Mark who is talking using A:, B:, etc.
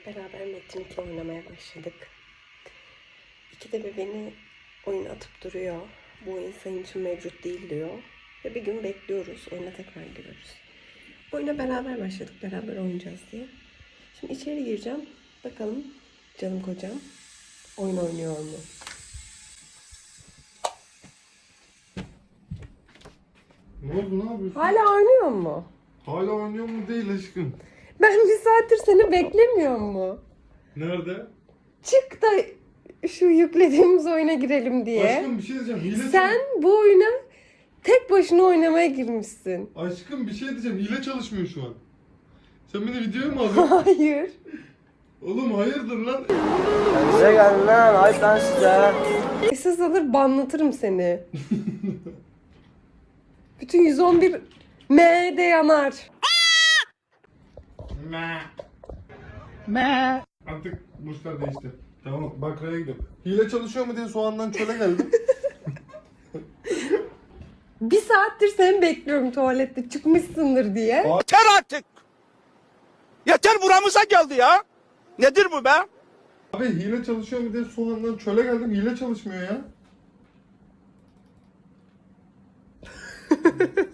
A: beraber Metin 2 oynamaya başladık. İkide bir beni oyun atıp duruyor. Bu oyun senin için mevcut değil diyor. Ve bir gün bekliyoruz. Oyuna tekrar giriyoruz. Oyuna beraber başladık. Beraber oynayacağız diye. Şimdi içeri gireceğim. Bakalım canım kocam oyun oynuyor mu?
B: Ne oldu, ne yapıyorsun?
A: Hala oynuyor mu?
B: Hala oynuyor mu değil aşkım?
A: Ben bir saattir seni beklemiyor mu?
B: Nerede?
A: Çık da şu yüklediğimiz oyuna girelim diye.
B: Aşkım bir şey diyeceğim. Hile
A: Sen bu oyuna tek başına oynamaya girmişsin.
B: Aşkım bir şey diyeceğim. Hile çalışmıyor şu an. Sen beni videoya mı alıyorsun?
A: Hayır.
B: Oğlum hayırdır lan?
C: Size gelin lan, ayıp lan size.
A: Esas alır banlatırım seni. Bütün 111 M'de yanar.
B: Artık burçlar değişti. Tamam bakraya gidiyorum. Hile çalışıyor mu diye soğandan çöle geldim.
A: Bir saattir seni bekliyorum tuvalette çıkmışsındır diye.
D: Yeter artık. Yeter buramıza geldi ya. Nedir bu be?
B: Abi hile çalışıyor mu diye soğandan çöle geldim. Hile çalışmıyor ya.